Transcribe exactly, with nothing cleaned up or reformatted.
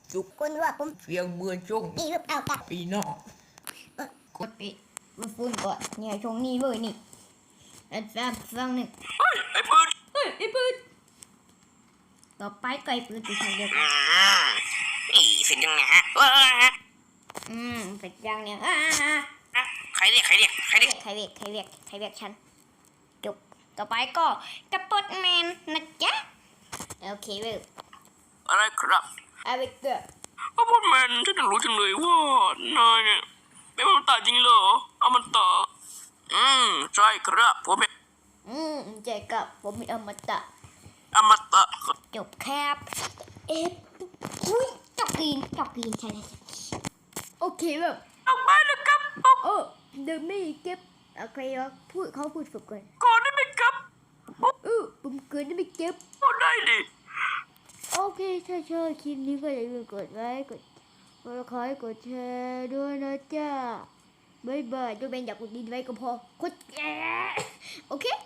จุกคุณว่าผมเสียงเมื่อจงนี่หรือเปล่าครับปีนอกกดปิดมันฟุ้นก่อนเนี่ยช่วงนี้เลยนี่แล้วฟังฟังหนึ่งเฮ้ยไอ้ปืนเฮ้ยไอ้ปืนต่อไปไก่ปืนไปทางเดียวกันอีเสร็จยังไงฮะว้าอืมเสร็จยังเนี่ยอ่าใครเรียกใครเรียกใครเรียกใครเรียกใครเรียกใครเรียกฉันจบต่อไปก็กระปดแมนนะจ๊ะโอเคเว้ยอะไรครับเอาไปเกอร์พ่อพูดแมนฉันอยากรู้จังเลยว่านายเนี่ยเป็นอมตะจริงเหรออมตะอืมใช่ครับผมเป็นอืมเจกับผมมีอมตะอมตะจบครับเอ๊ะอุ้ยจอกกินจอกกินใช่ใช่ใช่โอเคแบบออกไปเลยครับเออเดินไม่เก็บโอเควะพูดเขาพูดฝึกก่อนก่อนได้ไหมครับเออผมเกินไม่เก็บพูดได้ดิโอเคถ้าชอบคลิปนี้ก็อย่าลืมกดไลค์กดกดคอยกดแชร์ด้วยนะจ๊ะบ๊ายบายจะเป็นอยากกดดีไว้ก็พอกดแชร์โอเค